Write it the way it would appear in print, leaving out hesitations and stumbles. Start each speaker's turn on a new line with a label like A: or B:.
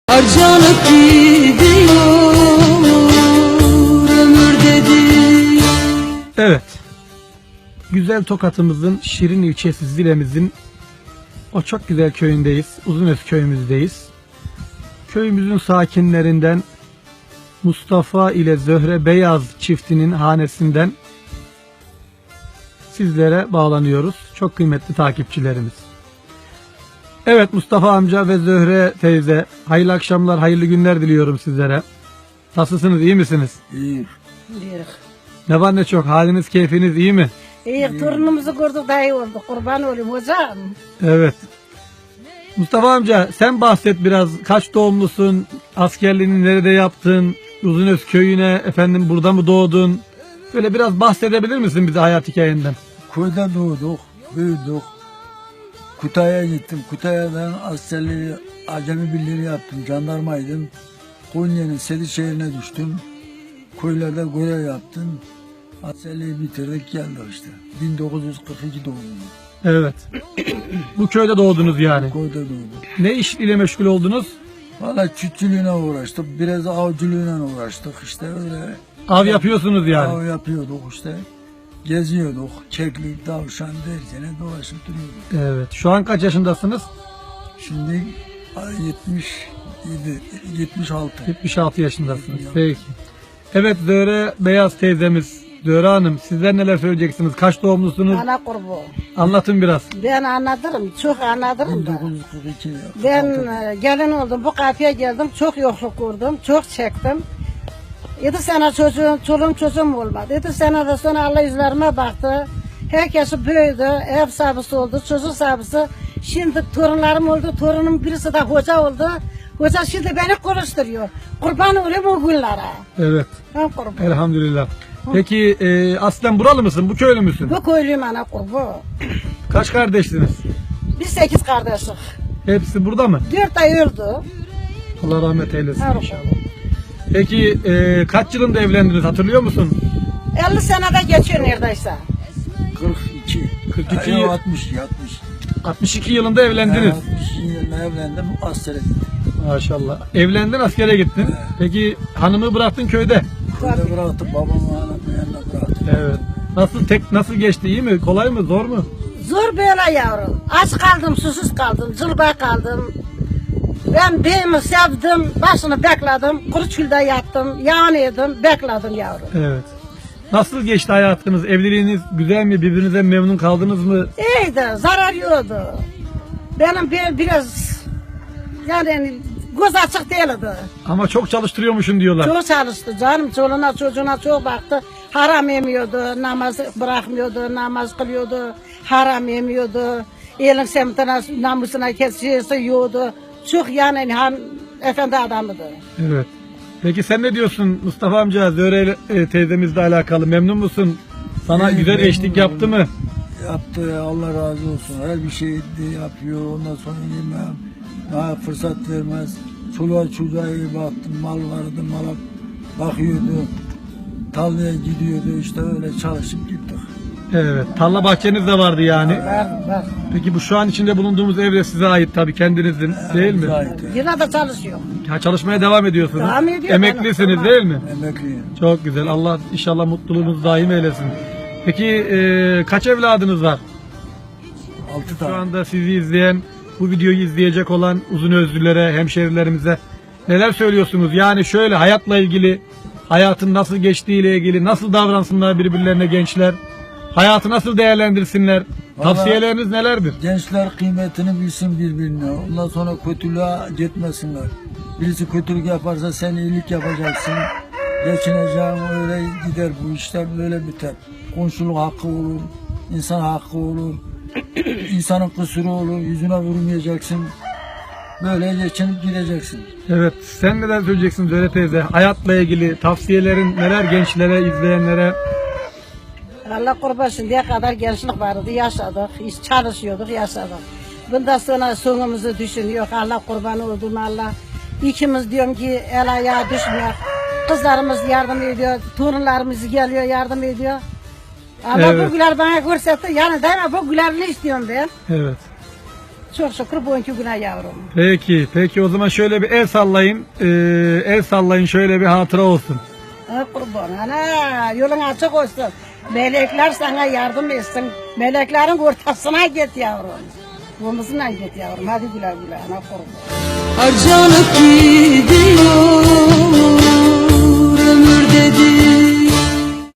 A: Harcanıp gidiyor ömür dedi.
B: Evet. Güzel Tokat'ımızın Şirin ilçesi Zile'mizin o çok güzel köyündeyiz. Uzunöz köyümüzdeyiz. Köyümüzün sakinlerinden Mustafa ile Zöhre Beyaz çiftinin hanesinden sizlere bağlanıyoruz. Çok kıymetli takipçilerimiz. Evet Mustafa amca ve Zöhre teyze, hayırlı akşamlar, hayırlı günler diliyorum sizlere. Nasılsınız, iyi misiniz?
C: İyi.
D: Diyoruz.
B: Ne var ne çok, haliniz, keyfiniz iyi mi?
D: İyi, torunumuzu gördük daha iyi oldu. Kurban olayım hocam.
B: Evet. Mustafa amca sen bahset biraz, kaç doğumlusun, askerliğini nerede yaptın, Uzunöz köyüne, efendim burada mı doğdun? Böyle biraz bahsedebilir misin bize hayat hikayenden?
C: Köyde doğduk, büyüdük. Kutay'a gittim. Kutay'dan askerliği, acemi birliği yaptım. Jandarmaydım. Konya'nın Sedi şehrine düştüm. Köylerde görev yaptım. Askerliği bitirdik geldik işte. 1942 doğumluyum.
B: Evet. Bu köyde doğdunuz yani.
C: Köyde doğduk.
B: Ne iş ile meşgul oldunuz?
C: Valla çiftçiliğine uğraştık. Biraz avcılığına uğraştık. İşte öyle.
B: Av yapıyorsunuz yani.
C: Av yapıyorduk işte. Geziyorduk. Keklik, tavşan derken dolaşıp duruyorduk.
B: Evet. Şu an kaç yaşındasınız?
C: Şimdi 76.
B: 76 yaşındasınız. Peki. Evet Zöhre Beyaz teyzemiz, Zöhre Hanım sizler neler söyleyeceksiniz? Kaç doğumlusunuz?
D: Ana kurbu.
B: Anlatın biraz.
D: Ben anlatırım, çok anlatırım da.
C: 1942.
D: Ben gelin oldum, bu kapıya geldim, çok yokluk gördüm, çok çektim. 7 sene çoluğum çocuğum olmadı. 7 seneden sonra Allah yüzlerime baktı. Herkesi büyüdü, ev sahibi oldu, çocuk sahibi. Şimdi torunlarım oldu, torunum birisi de hoca oldu. Hoca şimdi beni konuşturuyor. Kurban olayım o günlere.
B: Evet.
D: Ben kurban.
B: Elhamdülillah. Peki aslen buralı mısın? Bu köylü müsün?
D: Bu köylüyüm ana kurbu.
B: Kaç kardeşsiniz?
D: Biz 8 kardeşiz.
B: Hepsi burada mı?
D: 4 ay öldü.
B: Allah rahmet eylesin
D: Her
B: inşallah. Peki kaç yılında evlendiniz hatırlıyor musun?
D: 50 senede geçiyor neredeyse.
C: 42.
B: 42
C: Yok, 60.
B: 62 yılında evlendiniz.
C: 60 yılında evlendim. Askere gittim.
B: Maşallah. Evlendin, askere gittin. Peki hanımı bıraktın köyde.
C: Köyde bıraktım. Babamı anamın yanına bıraktım.
B: Evet. Nasıl geçti? İyi mi? Kolay mı? Zor mu?
D: Zor böyle yavrum. Aç kaldım, susuz kaldım, zılba kaldım. Ben beyimi sevdim, başını bekledim, kuru çölde yattım, yağını yedim, bekledim yavrum.
B: Evet. Nasıl geçti hayatınız? Evliliğiniz güzel mi? Birbirinize memnun kaldınız mı?
D: İyiydi, zarar yoktu. Benim biraz, yani göz açık değildi.
B: Ama çok çalıştırıyormuşsun diyorlar.
D: Çok çalıştı canım, çoluğuna çocuğuna çok baktı. Haram yemiyordu, namaz bırakmıyordu, namaz kılıyordu, haram yemiyordu. Elin semtine, namusuna kesişesi yiyordu. Çok yani efendi adamıydı.
B: Evet. Peki sen ne diyorsun Mustafa amca? Zöhre teyzemizle alakalı memnun musun? Sana
C: İyi,
B: güzel
C: memnunum.
B: eşlik yaptı mı?
C: Yaptı. Allah razı olsun. Her bir şey de yapıyor. Ondan sonra yemem. Daha fırsat vermez. Çoluğa çocuğa iyi baktım. Mal vardı. Mala bakıyordu. Tarlaya gidiyordu. İşte öyle çalışıp gittik.
B: Evet. Tarla bahçeniz de vardı yani.
D: Var.
B: Peki bu şu an içinde bulunduğumuz ev de size ait tabii, kendinizin değil mi?
C: Zahit.
D: Yine de çalışıyor.
B: Ha, çalışmaya devam ediyorsunuz.
D: Devam ediyor.
B: Emeklisiniz
D: Tamam.
B: değil mi?
C: Emekliyim.
B: Çok güzel. Allah inşallah mutluluğunuzu daim eylesin. Peki kaç evladınız var?
C: 6
B: Şu
C: tane.
B: anda sizi izleyen, bu videoyu izleyecek olan Uzunözlülere, hemşerilerimize neler söylüyorsunuz? Yani şöyle hayatla ilgili, hayatın nasıl geçtiğiyle ilgili, nasıl davransınlar birbirlerine gençler? Hayatı nasıl değerlendirsinler?
C: Vallahi-
B: Tavsiyeleriniz nelerdir?
C: Gençler kıymetini bilsin birbirine. Ondan sonra kötülüğe gitmesinler. Birisi kötülük yaparsa sen iyilik yapacaksın. Geçineceğin öyle gider bu işler böyle biter. Komşuluk hakkı olur, insan hakkı olur. İnsanın kusuru olur, yüzüne vurmayacaksın. Böyle geçinip gideceksin.
B: Evet, sen neler söyleyeceksin Zöhre teyze? Hayatla ilgili tavsiyelerin neler gençlere, izleyenlere?
D: Allah kurban şimdiye kadar gençlik vardı, yaşadık, iş çalışıyorduk, yaşadık. Bundan sonra sonumuzu düşünüyor. Allah kurban oldum Allah. İkimiz diyorum ki el ayağa düşmüyor. Kızlarımız yardım ediyor, torunlarımız geliyor yardım ediyor. Allah
B: Evet.
D: bu güler bana görsetti. Yani değil mi bu gülerini istiyorum ben.
B: Evet.
D: çok şükür bugünkü güne yavrum.
B: Peki o zaman şöyle bir el sallayın. El sallayın şöyle bir hatıra olsun.
D: Ha, kurban ana yolun açık olsun. Melekler sana yardım etsin. Meleklerin ortasına git yavrum. Omuzuna git yavrum. Hadi güle güle ana kurban.
A: Harcanıp gidiyor